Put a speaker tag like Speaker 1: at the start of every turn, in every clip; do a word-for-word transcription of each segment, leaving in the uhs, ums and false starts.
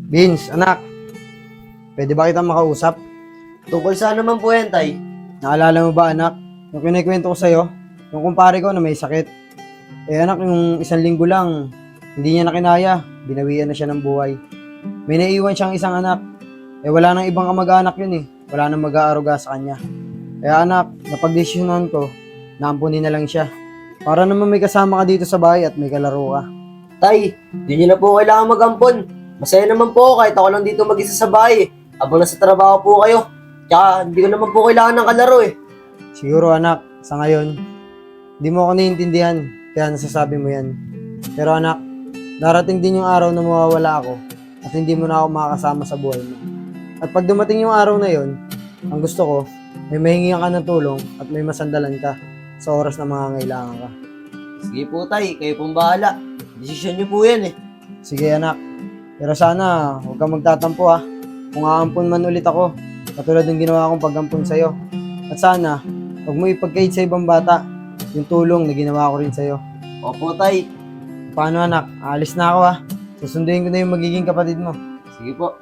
Speaker 1: Vince, anak, pwede ba kitang makausap?
Speaker 2: Tungkol saan naman po yan, Tay?
Speaker 1: Naalala mo ba, anak? Yung kinikwento ko sa'yo, yung kumpare ko na may sakit. Eh anak, yung isang linggo lang, hindi niya na kinaya, binawian na siya ng buhay. May naiwan siyang isang anak. Eh wala nang ibang kamag-anak yun eh. Wala nang mag-aaruga sa kanya. Kaya anak, napagdesisyonan ko, naampunin na lang siya. Para naman may kasama ka dito sa bahay at may kalaro ka.
Speaker 2: Tay, di niyo na po kailangan mag-ampon. Masaya naman po ako kahit ako lang dito mag-isa sa bahay. Habang nasa trabaho po kayo. Tsaka hindi ko naman po kailangan ng kalaro eh.
Speaker 1: Siguro anak, sa ngayon, hindi mo ako naiintindihan, kaya nasasabi mo yan. Pero anak, darating din yung araw na mawawala ako at hindi mo na ako makakasama sa buhay mo. At pag dumating yung araw na yon, ang gusto ko, may mahingihan ka ng tulong at may masandalan ka sa oras na mangangailangan ka.
Speaker 2: Sige po, Tay. Kayo pong bahala. Desisyon niyo po yan eh.
Speaker 1: Sige anak, pero sana huwag kang magtatampo ha. Kung aampun man ulit ako, katulad ng ginawa kong pag-ampun sa'yo. At sana, huwag mo ipagkait sa ibang bata yung tulong na ginawa ko rin sa'yo.
Speaker 2: Opo, Tay.
Speaker 1: Paano anak? Aalis na ako ha. Susunduin ko na yung magiging kapatid mo.
Speaker 2: Sige po.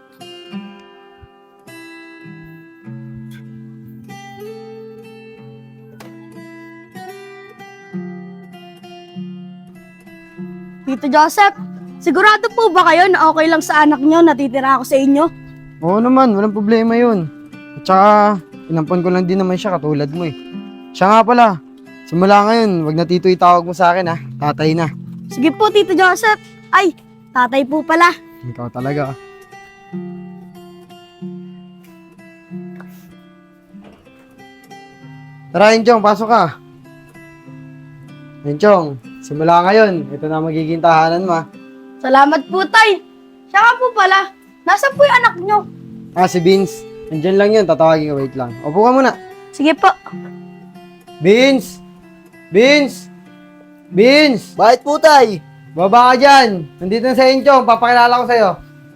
Speaker 3: Tito Joseph, sigurado po ba kayo na okay lang sa anak nyo natitira ako sa inyo?
Speaker 1: Oo naman, walang problema yun. At saka, inampon ko lang din naman siya katulad mo eh. Siya nga pala, simula ngayon, wag na tito itawag mo sa akin ha. Tatay na.
Speaker 3: Sige po, Tito Joseph. Ay, tatay po pala.
Speaker 1: Ikaw talaga. Tara, Enchong, pasok ka. Enchong, simula ngayon, ito na magiging tahanan mo ha.
Speaker 3: Salamat po, tay. Siya nga po pala. Nasaan po yung anak nyo?
Speaker 1: Ah, si Vince. Andyan lang yun, tatawagin ka, wait lang. Opo ka muna.
Speaker 3: Sige po.
Speaker 1: Vince! Vince! Vince!
Speaker 2: Bakit po, Tay?
Speaker 1: Baba ka dyan! Nandito na sa Enchong, papakilala ko sa'yo.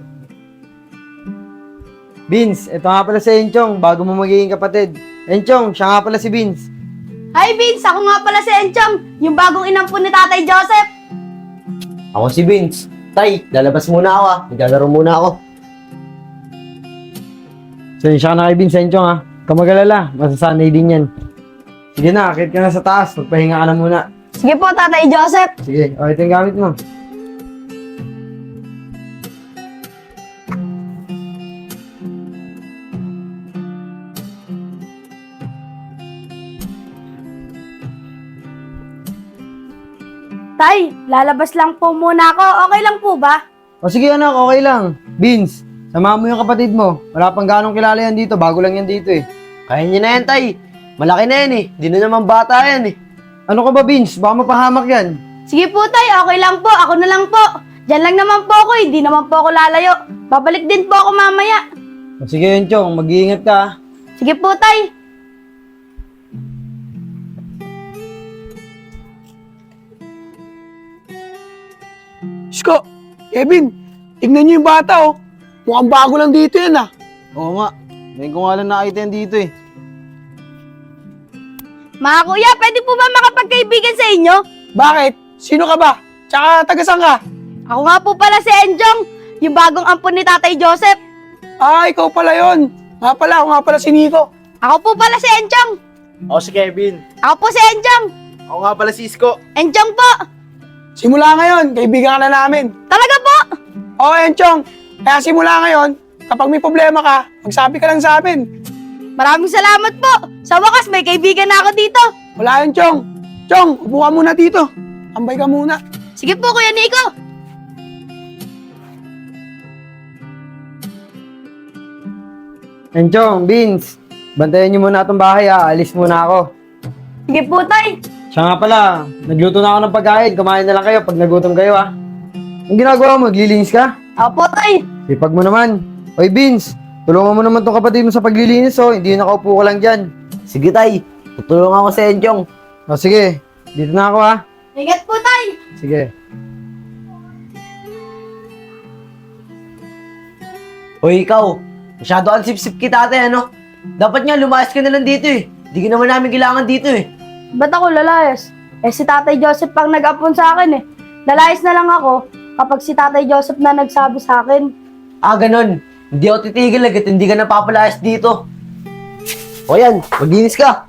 Speaker 1: Vince, ito nga pala si Enchong, bago mo magiging kapatid. Enchong, siya nga pala si Vince.
Speaker 3: Hi, Vince. Ako nga pala si Enchong, yung bagong inampun ni Tatay Joseph.
Speaker 2: Ako si Vince. Tay, lalabas muna ako ah. Naglalaro muna ako.
Speaker 1: So, siya ka na kay Vince, Enchong ha. Kamagalala, masasanay din yan. Sige na, akit ka na sa taas, magpahinga ka na muna.
Speaker 3: Sige po, Tatay Joseph.
Speaker 1: Sige, o ito yung gamit mo.
Speaker 3: Tay, lalabas lang po muna ako. Okay lang po ba?
Speaker 1: O sige anak, okay lang. Vince, samahan mo yung kapatid mo. Wala pang ganong kilala yan dito, bago lang yan dito eh.
Speaker 2: Kaya niyo na yan, Tay. Malaki na yan eh. Di na naman bata yan eh.
Speaker 1: Ano ka ba Vince? Baka mapahamak yan.
Speaker 3: Sige po, Tay. Okay lang po. Ako na lang po. Diyan lang naman po ako. Hindi naman po ako lalayo. Babalik din po ako mamaya.
Speaker 1: O sige Enchong, mag-iingat ka ha.
Speaker 3: Sige po, Tay.
Speaker 4: Sko, Kevin, tignan niyo yung bata oh. Mukhang bago lang dito yan ah.
Speaker 1: Oo nga, ngayon ko nga lang nakita yan dito eh.
Speaker 3: Mga kuya, pwede po ba makapagkaibigan sa inyo?
Speaker 4: Bakit? Sino ka ba? Tsaka tagasan ka?
Speaker 3: Ako nga po pala si Enjong, yung bagong ampon ni Tatay Joseph.
Speaker 4: Ah, ikaw pala yon. Nga pala, ako nga pala si Nico.
Speaker 3: Ako po pala si Enjong.
Speaker 5: Ako si Kevin.
Speaker 3: Ako po si Enjong.
Speaker 5: Ako nga pala si Isko.
Speaker 3: Enjong po.
Speaker 4: Simula ngayon, kaibigan ka na namin.
Speaker 3: Talaga po.
Speaker 4: Oo, Enchong. Kaya simula ngayon, kapag may problema ka, magsabi ka lang sa amin.
Speaker 3: Maraming salamat po. Sa wakas, may kaibigan na ako dito.
Speaker 4: Wala yun, Chong. Chong, upo ka muna dito. Ambay ka muna.
Speaker 3: Sige po, Kuya Nico.
Speaker 1: Enchong, Vince, bantayan niyo muna itong bahay ha, alis muna ako.
Speaker 3: Sige po, Tay.
Speaker 1: Siya nga pala, nagluto na ako ng pagkain, kumain na lang kayo pag nagutom kayo ha. Ang ginagawa mo, maglilinis ka?
Speaker 3: Ako po, Tay.
Speaker 1: Sipag mo naman. Oy Vince, tulungan mo naman tong kapatid mo sa paglilinis oh, hindi nakaupo ka lang dyan.
Speaker 2: Sige, Tay. Tutulungan ako sa Enchong.
Speaker 1: O sige, dito na ako ha.
Speaker 3: Ingat po, Tay.
Speaker 1: Sige.
Speaker 2: Hoy, ikaw. Masyado ang sip-sip kita, ate, ano? Dapat nga, lumayas ka na lang dito eh. Di ka naman namin kailangan dito eh.
Speaker 3: Ba't ako lalayas? Eh si Tatay Joseph pang nag-apon sa akin eh. Lalayas na lang ako kapag si Tatay Joseph na nagsabi sa akin.
Speaker 2: Ah, ganun. Hindi ako titigil agad, hindi ka napapalayas dito. O yan, maglinis ka.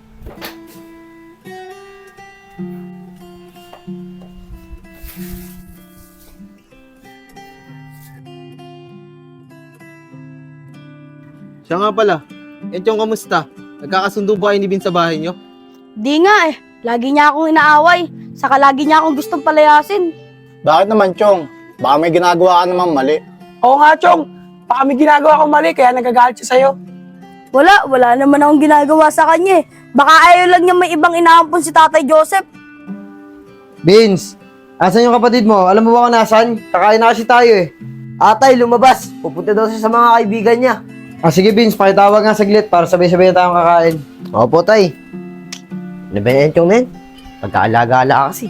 Speaker 5: Siya nga pala. Enchong, kamusta? Nagkakasundo ba kayo ni Bin sa bahay niyo?
Speaker 3: Di nga eh. Lagi niya akong inaaway. Saka lagi niya akong gustong palayasin.
Speaker 6: Bakit naman, Chong? Baka may ginagawa ka namang mali.
Speaker 4: Oo nga, Chong. Baka may ginagawa akong mali, kaya nagagalit siya sa'yo.
Speaker 3: Wala, wala naman akong ginagawa sa kanya eh. Baka ayaw lang niya may ibang inaampon si Tatay Joseph.
Speaker 1: Vince, asan yung kapatid mo? Alam mo ba kung nasan? Kakain na kasi tayo eh.
Speaker 2: Atay, lumabas. Pupunta daw siya sa mga kaibigan niya.
Speaker 1: Ah, sige Vince, pakitawag nga saglit para sabay-sabay na tayong kakain.
Speaker 2: Opo, tay. Ano ba yan, Chong, men? Pagkaalaga-ala ka kasi.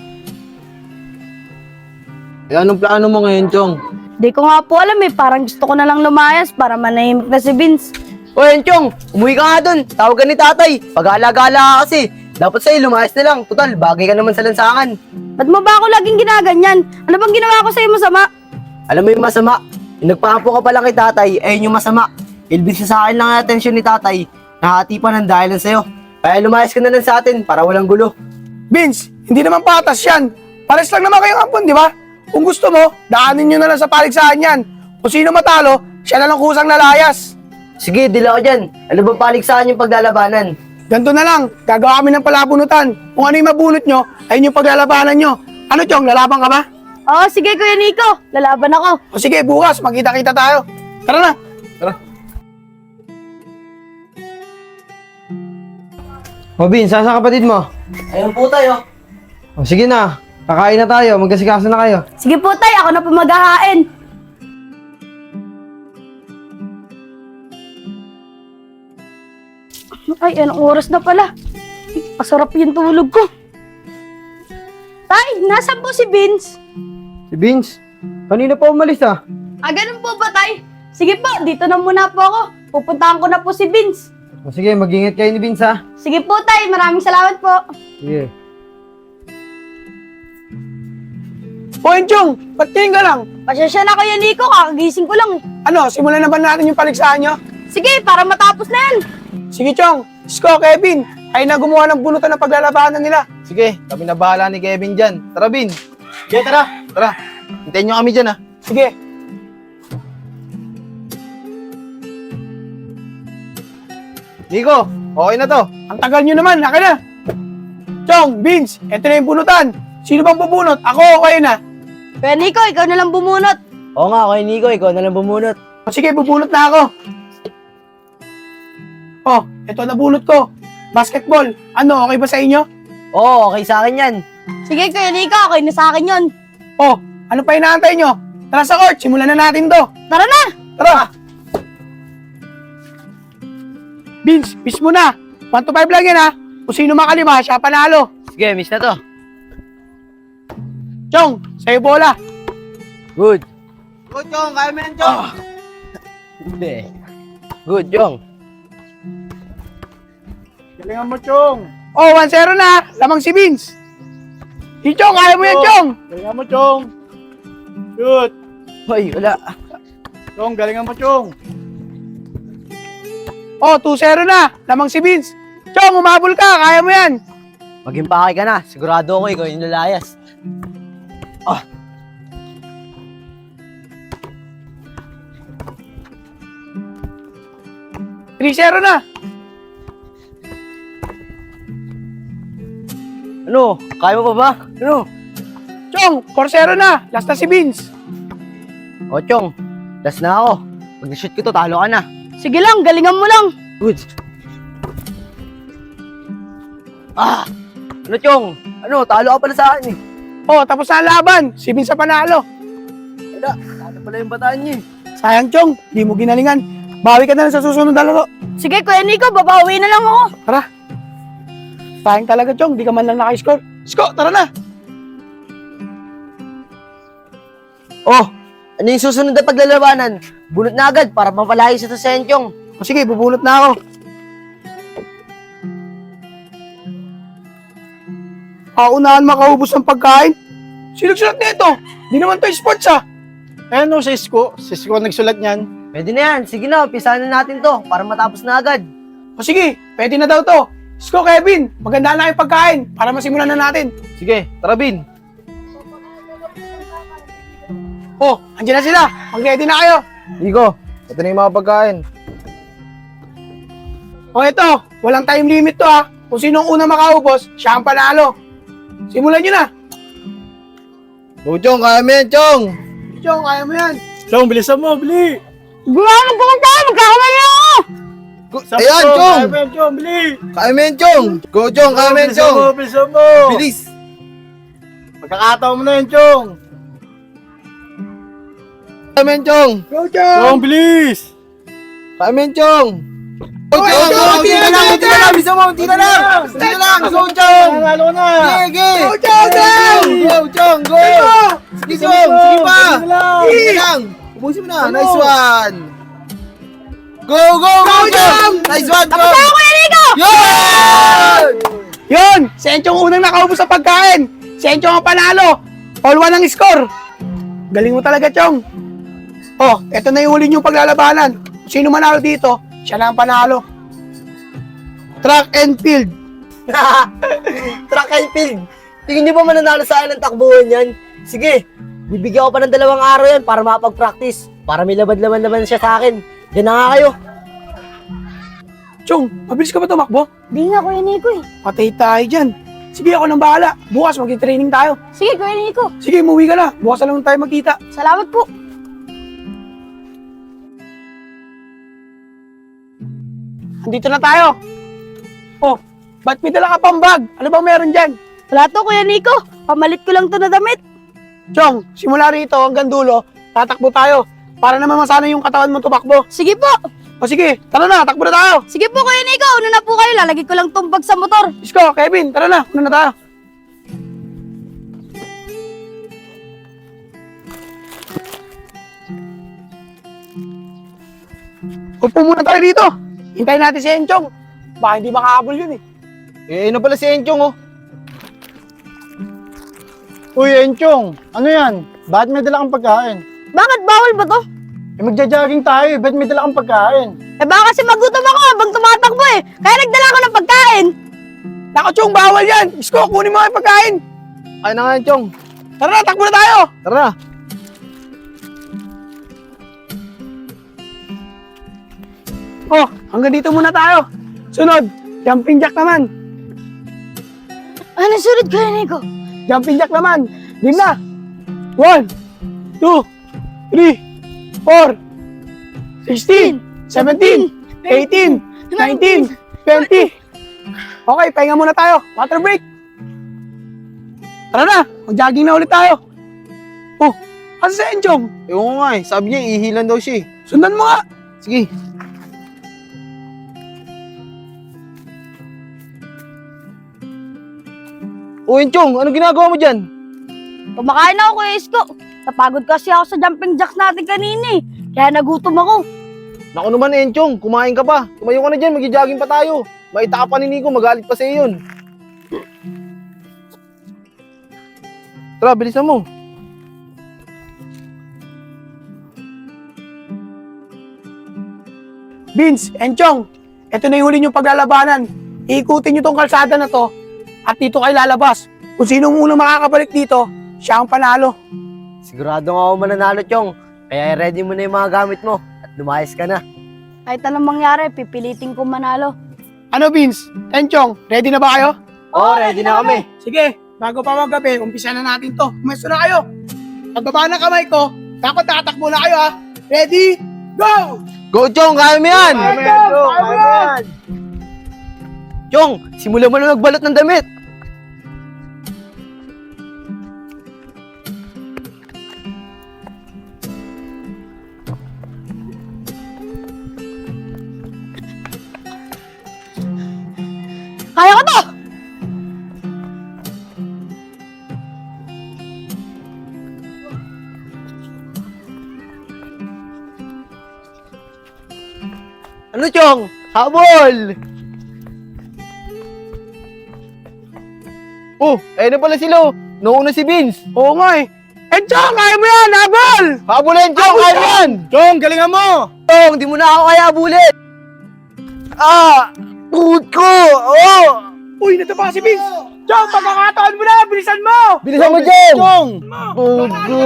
Speaker 5: Eh, anong plano mo ngayon, Chong?
Speaker 3: Di ko nga po alam eh. Parang gusto ko na lang lumayas para manahimik na si Vince.
Speaker 2: O yan, Chong, umuwi ka nga dun. Tawag ka ni tatay. Pag-aalaga-ala ka kasi. Dapat sa'yo, lumayas na lang. Total, bagay ka naman sa lansangan.
Speaker 3: Ba't mo ba ako laging ginaganyan? Ano bang ginawa ko sa'yo masama?
Speaker 2: Alam mo yung masama? Yung nagpapo ka pala kay tatay, ayun yung masama. Ilbis na sa akin lang ang atensyon ni tatay. Nahati pa ng dahilan sa'yo. Kaya lumayas ka na lang sa atin para walang gulo.
Speaker 4: Vince, hindi naman patas yan. Pares lang naman kayong ampon, di ba? Kung gusto mo, daanin nyo na lang sa paligsahan yan. Kung sino matalo, siya na lang kusang nalayas.
Speaker 2: Sige, dila ko dyan. Ano bang paligsahan yung paglalabanan?
Speaker 4: Ganto na lang, gagawa kami ng palabunutan. Kung ano yung mabunot nyo, ayun yung paglalabanan nyo. Ano, Chong, lalaban ka ba?
Speaker 3: Oo, sige Kuya Nico. Lalaban ako.
Speaker 4: O sige, bukas, magkita-kita tayo. Tara na.
Speaker 1: O Vince, saan sa kapatid mo?
Speaker 2: Ayun po tayo.
Speaker 1: O sige na, kakain na tayo, magkasikaso na kayo.
Speaker 3: Sige po tay, ako na po maghahain. Ay, anong oras na pala? Pasarap yung tulog ko. Tay, nasan po si Vince?
Speaker 1: Si Vince, kanina pa umalis ah.
Speaker 3: Ah, ganun po ba tay? Sige po, dito na muna po ako. Pupuntahan ko na po si Vince.
Speaker 1: O sige, mag-ingat kayo ni Vince ah.
Speaker 3: Sige po tay, maraming salamat po.
Speaker 1: Sige.
Speaker 4: O yun, Chong, ba't ngayon ka lang?
Speaker 3: Pasensya na Kuya Nico, kakagising ko lang eh.
Speaker 4: Ano, simulan na ba natin yung paligsahan nyo?
Speaker 3: Sige, para matapos na yan.
Speaker 4: Sige, Chong, Isko, Kevin, ay na gumawa ng bunutan ng paglalabanan nila.
Speaker 5: Sige, kami na bahala ni Kevin dyan. Tara, Bin. Sige, tara. Tara. Hintayin nyo kami dyan, ah.
Speaker 4: Sige.
Speaker 5: Nico, okay na to.
Speaker 4: Ang tagal nyo naman, naka na. Chong, Vince, eto na yung bunutan. Sino bang bubunot? Ako o kayo na?
Speaker 3: Kuya Nico, ikaw na lang bumunot.
Speaker 2: Oo nga, kay Nico, ikaw na lang bumunot.
Speaker 4: O sige, bubunot na ako. Oh, eto na bunot ko. Basketball. Ano, okay ba sa inyo?
Speaker 2: Oo, okay sa akin yan.
Speaker 3: Sige Kuya Nico, okay na sa akin yun.
Speaker 4: Oh, ano pa inaantay nyo? Tara sa court, simulan na natin to.
Speaker 3: Tara na!
Speaker 4: Tara! Vince, miss mo na. one to five lang yan ha. Kung sino makalima, siya panalo.
Speaker 2: Sige, miss na to.
Speaker 4: Chong, sa'yo bola.
Speaker 2: Good.
Speaker 5: Good, Chong. Kaya mo yan, Chong.
Speaker 2: Hindi. Good, Chong.
Speaker 6: Galingan mo, Chong.
Speaker 4: Oh, one zero na. Lamang si Vince. Si Chong, kaya mo yan, Chong.
Speaker 6: Galingan mo, Chong. Shoot.
Speaker 2: Hoy, wala.
Speaker 6: Chong, galingan mo, Chong.
Speaker 4: Oh, two zero na. Lamang si Vince. Chong, umabol ka. Kaya mo yan.
Speaker 2: Maging pakay ka na. Sigurado ako ikaw yung lalayas. Ah.
Speaker 4: three zero na.
Speaker 2: Ano? Kaya mo pa ba? Ano?
Speaker 4: Chong, four zero na. Last na si Vince.
Speaker 2: O, Chong. Last na ako. Pag na-shoot ko to, talo ka na.
Speaker 3: Sige lang, galingan mo lang.
Speaker 2: Good. Ah! Ano, Chong? Ano? Talo ka pala sa akin eh.
Speaker 4: Oh, tapos na ang laban. Si Vince sa panalo.
Speaker 2: Wala. Talo pala yung bataan niya eh.
Speaker 4: Sayang, Chong. Di mo ginalingan. Bawi ka na lang sa susunod na laro.
Speaker 3: Sige Kuya Nico, babawi na lang ako.
Speaker 4: Tara. Sayang talaga, Chong. Di ka man lang naka-score. Isko, tara na.
Speaker 2: Oh! Ano yung susunod na paglalabanan? Bunot na agad para mapalayo sa to sa Enchong.
Speaker 4: O sige, bubunot na ako. Ako unahan makaubos ng pagkain. Sinugsunod nito. Di naman to sports ah.
Speaker 6: Eh no, si Isko. Si Isko ang nagsulat niyan.
Speaker 2: Pwede na yan. Sige na, umpisahan na natin to para matapos na agad.
Speaker 4: O sige, pwede na daw to. Isko, Kevin, maganda na yung pagkain para masimulan na natin.
Speaker 5: Sige, tara Bin.
Speaker 4: Oh, andyan na sila. Mag-ready na kayo.
Speaker 5: Iko, ito na yung mga pagkain.
Speaker 4: O ito, walang time limit to ha. Kung sino ang una makaubos, siya ang panalo. Simulan nyo na.
Speaker 5: Go, Chong, kaya mo yan, Chong.
Speaker 4: Chong, kaya mo yan.
Speaker 6: Chong, bilisan mo, bili!
Speaker 3: Gawin ko lang tayo, magkakamali ako!
Speaker 5: Go- Ayan, Chong.
Speaker 6: Kaya mo yan, Chong, bili!
Speaker 5: Kaya mo yan, Chong. Go, Chong, kaya mo yan,
Speaker 6: Bilisan
Speaker 5: Chong.
Speaker 6: mo, bilisan mo!
Speaker 5: Bilis.
Speaker 6: Magkakataon mo na yan, Chong!
Speaker 5: Kaya mo yan, Chong.
Speaker 4: Go, Chong!
Speaker 6: Chong, bilis!
Speaker 5: Kaya mo yan, Chong. Go,
Speaker 4: Okay,
Speaker 5: Chong,
Speaker 4: Chong,
Speaker 5: go,
Speaker 4: tira
Speaker 5: tira
Speaker 4: na,
Speaker 5: lang,
Speaker 4: tira
Speaker 5: tira lang. Bisa mo, tira lang. Tira lang, go, Chong.
Speaker 6: Nanalo na!
Speaker 5: Sige,
Speaker 4: Go, Chong!
Speaker 5: Go, Chong, go. Sige, Chong, sige pa. Sige lang. Ubusin mo na. Nice one. Go, go, go, Chong. Nice one, Chong.
Speaker 3: Ako, Kuya Nico!
Speaker 5: Yun!
Speaker 4: Yun! Si Enchong unang nakaubos sa pagkain. Si Enchong ang panalo. All one ang score. Galing mo talaga, Chong. Oh, eto na yung huli niyong paglalabanan. Kung sino manalo dito, siya na ang panalo. Track and field.
Speaker 2: Track and field. Tingin niyo ba mananalo sa akin ng takbuhan yan? Sige, bibigyan ko pa ng dalawang araw yan para makapag-practice. Para may labad-laban-laban siya sa akin. Yan na nga kayo.
Speaker 4: Chong, mabilis ka ba tumakbo?
Speaker 3: Di nga, Kuya Nico eh.
Speaker 4: Patay tayo dyan. Sige, ako nang bahala. Bukas mag-training tayo.
Speaker 3: Sige, Kuya Nico.
Speaker 4: Sige, umuwi ka na. Bukas na lang tayo magkita.
Speaker 3: Salamat po.
Speaker 4: Andito na tayo. Oh, ba't may dala ka pang bag? Ano bang meron dyan?
Speaker 3: Wala to, Kuya Nico. Pamalit ko lang to na damit.
Speaker 4: Chong, simula rito hanggang dulo, tatakbo tayo. Para naman masana yung katawan mo tumakbo.
Speaker 3: Sige po.
Speaker 4: O sige, tara na, takbo na tayo.
Speaker 3: Sige po, Kuya Nico. Una na po kayo. Lalagay ko lang tong bag sa motor.
Speaker 4: Isko, Kevin, tara na, una na tayo. Upo muna tayo dito. Hintayin natin si Enchong. Baka hindi makahabol yun eh.
Speaker 5: Eh, ano pala si Enchong, oh?
Speaker 6: Uy, Enchong! Ano yan? Bakit may dala kang pagkain?
Speaker 3: Bakit bawal ba to?
Speaker 6: Eh, magja-jogging tayo eh. Bakit may dala kang pagkain?
Speaker 3: Eh baka kasi magutom ako habang tumatakbo eh. Kaya nagdala ako ng pagkain.
Speaker 4: Nako, Chong, bawal yan. Isko, kunin mo ang pagkain.
Speaker 5: Kaya na nga yan, Chong.
Speaker 4: Tara na, takbo na tayo.
Speaker 5: Tara na.
Speaker 4: Oh, hanggang dito muna tayo. Sunod, jumping jack naman.
Speaker 3: Ano sunod, Kuya Nico?
Speaker 4: Jumping jack naman. Game na. One, two, three, four, sixteen, seventeen, eighteen, nineteen, twenty. Okay, pahinga muna tayo. Water break. Tara na, mag-jogging na ulit tayo. Oh, kasi sa Enchong.
Speaker 5: Ewan ko nga eh. Sabi niya, ihilan daw siya eh.
Speaker 4: Sundan mo nga.
Speaker 5: Sige. O, Enchong, ano ginagawa mo dyan?
Speaker 3: Kumakain ako, Kuya Isko. Napagod kasi ako sa jumping jacks natin kanina eh. Kaya nagutom ako.
Speaker 5: Naku naman, Enchong, kumain ka pa. Tumayo ka na dyan, mag-jogging pa tayo. Maita ka pa ni Nico, magalit pa sa'yo yun. Tara, bilisan mo.
Speaker 4: Vince, Enchong, ito na yung huli niyong paglalabanan. Iikutin niyo tong kalsada na to at dito kayo lalabas. Kung sino unang makakabalik dito, siya ang panalo.
Speaker 2: Sigurado nga ako mananalo, Chong. Kaya ready mo na yung mga gamit mo at lumayas ka na.
Speaker 3: Kahit anong mangyari, pipilitin ko manalo.
Speaker 4: Ano, Vince? Enchong, ready na ba kayo?
Speaker 2: Oo, ready na kami.
Speaker 4: Sige, bago pa maggabi, umpisa na natin to. Umesto na kayo. Pagbaba ng kamay ko, dapat tatakbo na kayo ha. Ready? Go!
Speaker 5: Go, Chong, kaya mo yan!
Speaker 4: Kaya mo yan, Chong, kaya mo yan.
Speaker 2: Chong, simulan mo na magbalot ng damit.
Speaker 3: Kaya ko to!
Speaker 2: Ano, Chong? Habol!
Speaker 5: Oh, ayun na pala sila, oh. Nauna si Vince.
Speaker 4: Oo nga eh. Enchong, kaya mo yan! Habol!
Speaker 6: Habulin, Chong! Kaya mo yan!
Speaker 5: Chong, galingan mo!
Speaker 2: Chong, di mo na ako kaya abulin. Ah! Tuhod ko! Oh!
Speaker 4: Uy, natapa si Vince! Chong, pagkakataon mo na! Bilisan mo!
Speaker 2: Bilisan mo, Chong!
Speaker 5: Chong!
Speaker 2: Tuhod ko!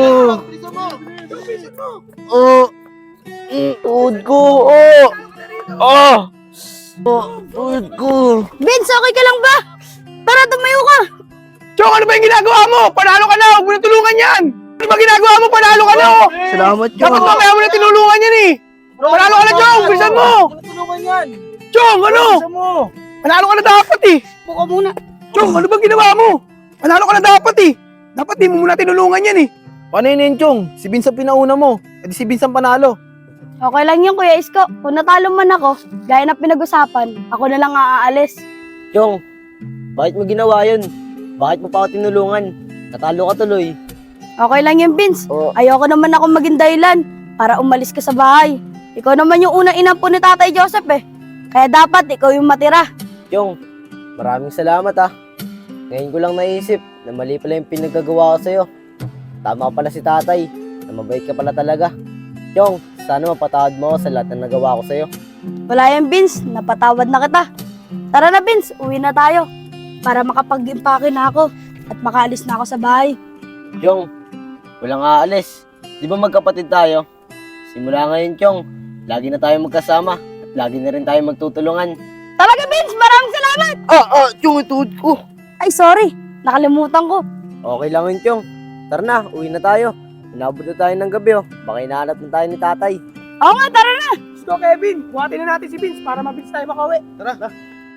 Speaker 2: Oh! Mm, Tuhod ko! Oh! Oh! Oh! Tuhod ko!
Speaker 3: Vince, okay ka lang ba? Tara, tumayo ka.
Speaker 4: Chong, ano ba yung ginagawa mo? Panalo ka na! Huwag mo na tulungan yan! Ano ba ginagawa mo? Panalo ka na! oh!
Speaker 2: Salamat, Chong!
Speaker 4: Dapat mamaya mo na tinulungan yan eh! Panalo ka na, Chong! Bilisan mo!
Speaker 5: Tulungan yan!
Speaker 4: Chong, ano?
Speaker 5: Bilisan mo!
Speaker 4: Panalo ka na dapat eh!
Speaker 3: Buka muna.
Speaker 4: Chong, ano bang ginawa mo? Panalo ka na dapat eh! Dapat di mo muna tinulungan yan eh!
Speaker 5: Paano yun yun, Chong? Si Vince ang pinauna mo. E di si Vince ang panalo.
Speaker 3: Okay lang yun, Kuya Isko. Kung natalo man ako, gaya na pinag-usapan, ako na lang aalis.
Speaker 2: Chong, bakit mo ginawa yun? Bakit mo pa ako tinulungan? Natalo ka tuloy.
Speaker 3: Okay lang yun, Vince.
Speaker 2: Oh,
Speaker 3: Ayoko naman ako maging dahilan para umalis ka sa bahay. Ikaw naman yung unang inampo ni Tatay Joseph eh. Kaya dapat ikaw yung matira.
Speaker 2: Chong, maraming salamat ah. Ngayon ko lang naisip na mali pala yung pinagagawa ko sa'yo. Tama pala si tatay, na mabait ka pala talaga. Chong, sana mapatawad mo ako sa lahat ng nagawa ko sa'yo.
Speaker 3: Wala yan, Vince. Napatawad na kita. Tara na, Vince. Uwi na tayo. Para makapag-impake na ako at makaalis na ako sa bahay.
Speaker 2: Chong, walang aalis. Di ba magkapatid tayo? Simula ngayon, Chong, lagi na tayo magkasama at lagi na rin tayo magtutulungan.
Speaker 3: Talaga, Vince. Maraming salamat.
Speaker 2: Ah, ah, Chong, ituod ko.
Speaker 3: Ay, sorry. Nakalimutan ko.
Speaker 2: Okay lang yun, Chong. Tara na, uwi na tayo. Inabot na tayo ng gabi, oh. Baka hinahanap na tayo ni tatay.
Speaker 3: Oo nga, tara na.
Speaker 4: So, Kevin, buhatin na natin si Vince para mabilis tayo makauwi.
Speaker 5: Tara.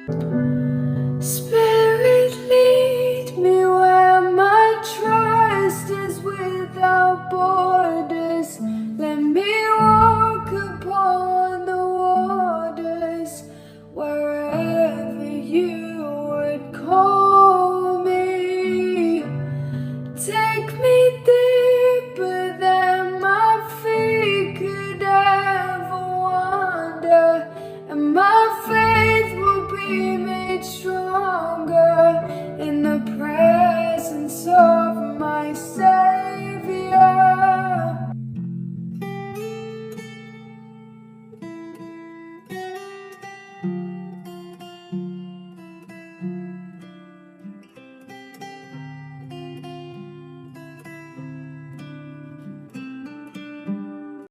Speaker 7: Spirit, lead me where my trust is without borders. Let me walk upon the waters wherever you would call me. Take